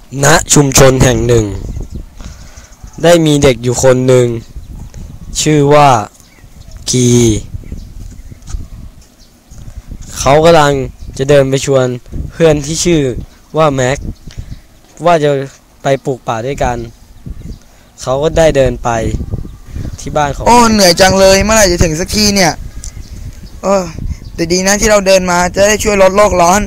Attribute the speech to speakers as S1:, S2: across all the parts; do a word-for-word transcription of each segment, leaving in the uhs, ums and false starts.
S1: ณชุมชนแห่งหนึ่งได้มีเด็กอยู่คนหนึ่งชื่อว่ากีเขากำลังจะเดินไปชวนเพื่อนที่ชื่อว่าแม็กว่าจะไปปลูกป่าด้วยกันเขาก็ได้เดินไปที่บ้านของ
S2: โอ้เหนื่อยจังเลยเมื่อไหร่จะถึงสักทีเนี่ยเออแต่ดีนะที่เราเดินมาจะได้ช่วยลดโลกร้อน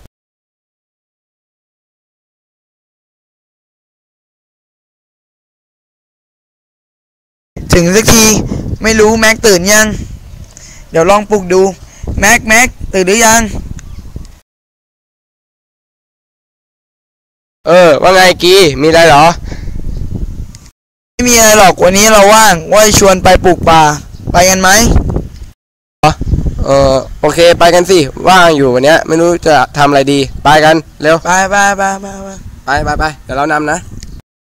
S2: ถึงสักทีไม่รู้แม็กตื่นยังเดี๋ยวลองปลุกดูแม็กแม็กตื่นหรือยัง
S3: เออว่าไงกีมีอะไรเหรอ
S2: ไม่มีอะไรหรอกวันนี้เราว่างว่าจะชวนไปปลูกป่าไปกันไหม
S3: เออโอเคไปกันสิว่างอยู่วันเนี้ยไม่รู้จะทำอะไรดีไปกันเร็ว
S2: ไปไปไปไป
S3: ไปไปไปเดี๋ยวเรานำนะ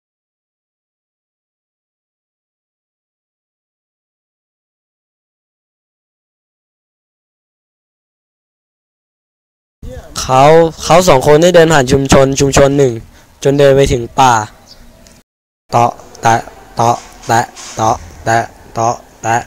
S1: เขาเขาสองคนได้เดินผ่านชุมชนชุมชนหนึ่งจนเดินไปถึงป่าเตาะแตะเตาะแตะเตาะแตะเตาะแตะ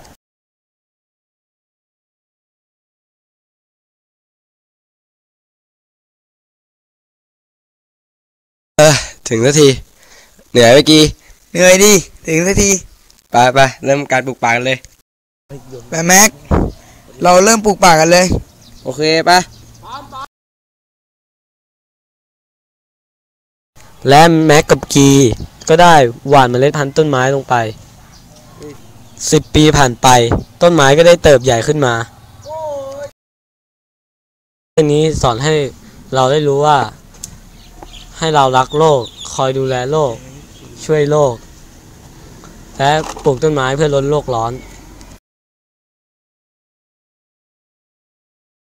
S3: เออถึงสักทีเหนื่อยเมื่อกี้
S2: เหนื่อยดิถึงสักที
S3: ไปไปเริ่มการปลูกป่ากันเลย
S2: ไปแม็กเราเริ่มปลูกป่ากันเลย
S3: โอเคไป
S1: และแม็กกับกีก็ได้หว่านเมล็ดพันธุ์ต้นไม้ลงไปสิบปีผ่านไปต้นไม้ก็ได้เติบใหญ่ขึ้นมาเรื่องนี้สอนให้เราได้รู้ว่าให้เรารักโลกคอยดูแลโลกช่วยโลกและปลูกต้นไม้เพื่อลดโลกร้อน